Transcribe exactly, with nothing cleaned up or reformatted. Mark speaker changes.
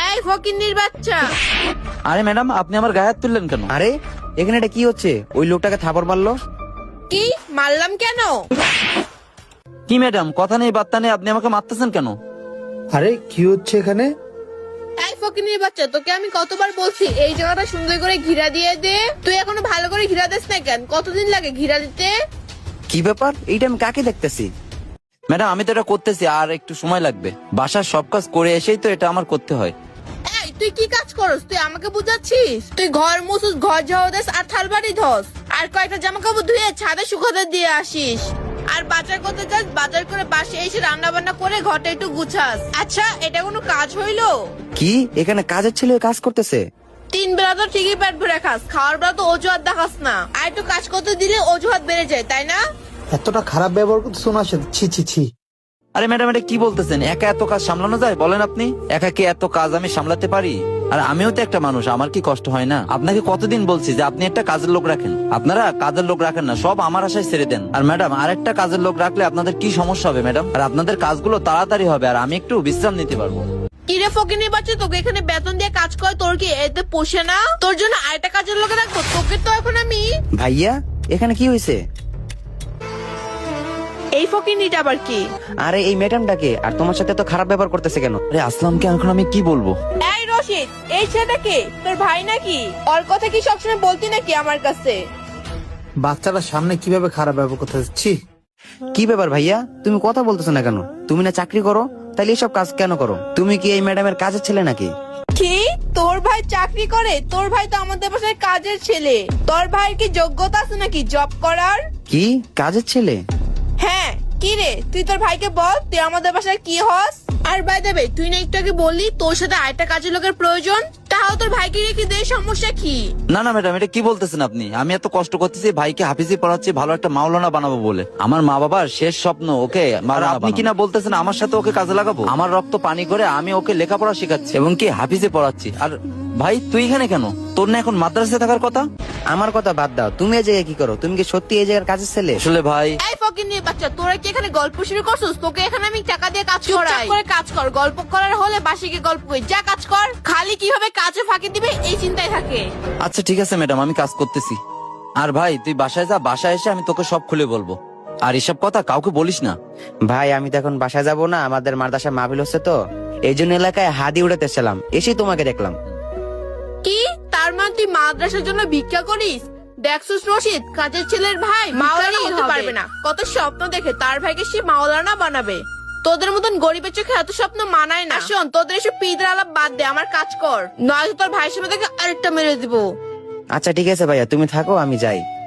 Speaker 1: এই ফকিন্নির বাচ্চা।
Speaker 2: আরে ম্যাডাম, আপনি আমার গায়ে হাত তুললেন কেন?
Speaker 3: আরে এখানে এটা কি হচ্ছে? ওই লোকটাকে থাপড় মারলো।
Speaker 1: কি মারলাম কেন?
Speaker 2: কি ম্যাডাম, কথা নেই বার্তা নেই, আপনি আমাকে মারতেছেন কেন?
Speaker 4: আরে কি হচ্ছে এখানে?
Speaker 1: এই ফকিন্নির বাচ্চা, তোকে আমি কতবার বলছি এই জায়গাটা সুন্দর করে ঘিরা দিয়ে দে, তুই এখনো ভালো করে ঘিরা দিস না কেন? কতদিন লাগে ঘিরা দিতে?
Speaker 3: কি ব্যাপার? এইটা আমি কাকে দেখতেছি?
Speaker 2: ম্যাডাম, আমি তো এটা করতেছি, আর একটু সময় লাগবে। বাসার সব কাজ করে এসেই তো এটা আমার করতে হয়।
Speaker 1: এই তুই কি কাজ করস? তুই আমাকে বুঝাচ্ছিস? তুই ঘর মুছুস, ঘর ঝাড়ু দিস, আর থালবাড়ি ধস, আর কয়েকটা জামা কাপড় ধুয়ে ছাদে শুকাতে দিয়ে আসিস, আর বাজার করতে যাস, বাজার করে বাসে এসে রান্না বান্না করে ঘরটা একটু গুছাস। আচ্ছা, এটা কোনো কাজ হইলো?
Speaker 3: কি এখানে কাজের ছেলে কাজ করতেছে?
Speaker 1: তিন বেলা তো ঠিকই পেট ভরে খাস, খাওয়ার বেলা তো অজুহাত দেখাস না। আর একটু কাজ করতে দিলে অজুহাত বেড়ে যায়, তাই না?
Speaker 4: এতটা খারাপ ব্যবহার করতে শোনা ছি ছি ছি।
Speaker 2: আরে ম্যাডাম, এটা কি বলতেছেন? একা এত কাজ সামলানো যায় বলেন আপনি? একা কি এত কাজ আমি সামলাতে পারি? আর আমিও তো একটা মানুষ, আমার কি কষ্ট হয় না? আপনাকে কতদিন বলছি যে আপনি একটা কাজের লোক রাখেন। আপনারা কাজের লোক রাখেন না, সব আমার আশায় ছেড়ে দেন। আর ম্যাডাম, আর একটা কাজের লোক রাখলে আপনাদের কি সমস্যা হবে ম্যাডাম? আর আপনাদের কাজগুলো তাড়াতাড়ি হবে, আর আমি একটু বিশ্রাম নিতে পারবো।
Speaker 1: কিরে ফকিনির বাচ্চা, তোকে এখানে বেতন দিয়ে কাজ করে, তোর কি এতে পোষে না? তোর জন্য আরেকটা কাজের লোক রাখবো? তোকে তো এখন আমি।
Speaker 3: ভাইয়া এখানে কি হয়েছে?
Speaker 1: এই ফকিনিটা আবার কি?
Speaker 3: আরে এই ম্যাডামটাকে, আর তোমার সাথে তো খারাপ ব্যবহার করতেছে কেন?
Speaker 2: আরে আসলামকে এখন আমি কি বলবো?
Speaker 1: এই রশিদ, এই ছেলেটাকে তোর ভাই নাকি? ওর কথা কি সবসময় বলতি নাকি আমার কাছে?
Speaker 4: বাচ্চাটার সামনে কিভাবে খারাপ ব্যবহার করতে ছি।
Speaker 3: কি ব্যাপার ভাইয়া, তুমি কথা বলতেছো না কেন? তুমি না চাকরি করো, তাহলে এসব কাজ কেন করো? তুমি কি এই ম্যাডামের কাজের ছেলে নাকি?
Speaker 1: কি তোর ভাই চাকরি করে? তোর ভাই তো আমাদের বাসায় কাজের ছেলে। তোর ভাইয়ের কি যোগ্যতা আছে নাকি জব করার?
Speaker 3: কি কাজের ছেলে?
Speaker 1: হ্যাঁ, কি রে, তুই তোর ভাইকে বল তুই আমাদের বাসায় কি হস। আর বাই দেবে, তুই না একটু আগে বললি তোর সাথে আরেকটা কাজের লোকের প্রয়োজন, তাহলে তোর ভাইকে রেখে দে, সমস্যা কি?
Speaker 2: না না ম্যাডাম, এটা কি বলতেছেন আপনি? আমি এত কষ্ট করতেছি ভাইকে হাফিজি পড়াচ্ছি ভালো একটা মাওলানা বানাবো বলে। আমার মা বাবার শেষ স্বপ্ন ওকে। আর আপনি কিনা বলতেছেন আমার সাথে ওকে কাজে লাগাবো? আমার রক্ত পানি করে আমি ওকে লেখাপড়া শেখাচ্ছি এবং কি হাফিজে পড়াচ্ছি। আর ভাই তুই এখানে কেন? তোর না এখন মাদ্রাসায় থাকার কথা?
Speaker 3: আমার কথা বাদ দাও, তুমি এই জায়গায় কি করো? তুমি কি সত্যি এই জায়গার কাজের ছেলে?
Speaker 2: আসলে ভাই,
Speaker 1: এই ফকিন্নির বাচ্চা, তোরা কি এখানে গল্প শুরু করছিস? তোকে এখানে আমি টাকা দিয়ে কাজ করাই। করে কাজ কর, গল্প করার হলে বাসে গিয়ে গল্প করি, যা কাজ কর। খালি কিভাবে কাজে ফাঁকি দিবে এই চিন্তায় থাকে।
Speaker 2: আচ্ছা ঠিক আছে ম্যাডাম, আমি কাজ করতেছি। আর ভাই তুই বাসায় যা, বাসায় এসে আমি তোকে সব খুলে বলবো। আর এসব কথা কাউকে বলিস না।
Speaker 3: ভাই আমি তো এখন বাসায় যাবো না, আমাদের মাদ্রাসায় মাহফিল হচ্ছে তো, এই জন্য এলাকায় হাদি উড়াতে এসেছিলাম, এসেই তোমাকে দেখলাম।
Speaker 1: কি তার মানে তুই মাদ্রাসার জন্য ভিক্ষা করিস? দেখছিস রশিদ, কাজের ছেলের ভাই মাওলানা হতে পারবে না। কত স্বপ্ন দেখে তার ভাইকে সে মাওলানা বানাবে। তোদের মতন গরিবের চোখে এত স্বপ্ন মানায় না। শোন, তোদের এসব পিদের আলাপ বাদ দে, আমার কাজ কর, নয়তো তোর ভাইয়ের সামনে থেকে আরেকটা মেরে দিব।
Speaker 3: আচ্ছা ঠিক আছে ভাইয়া, তুমি থাকো, আমি যাই।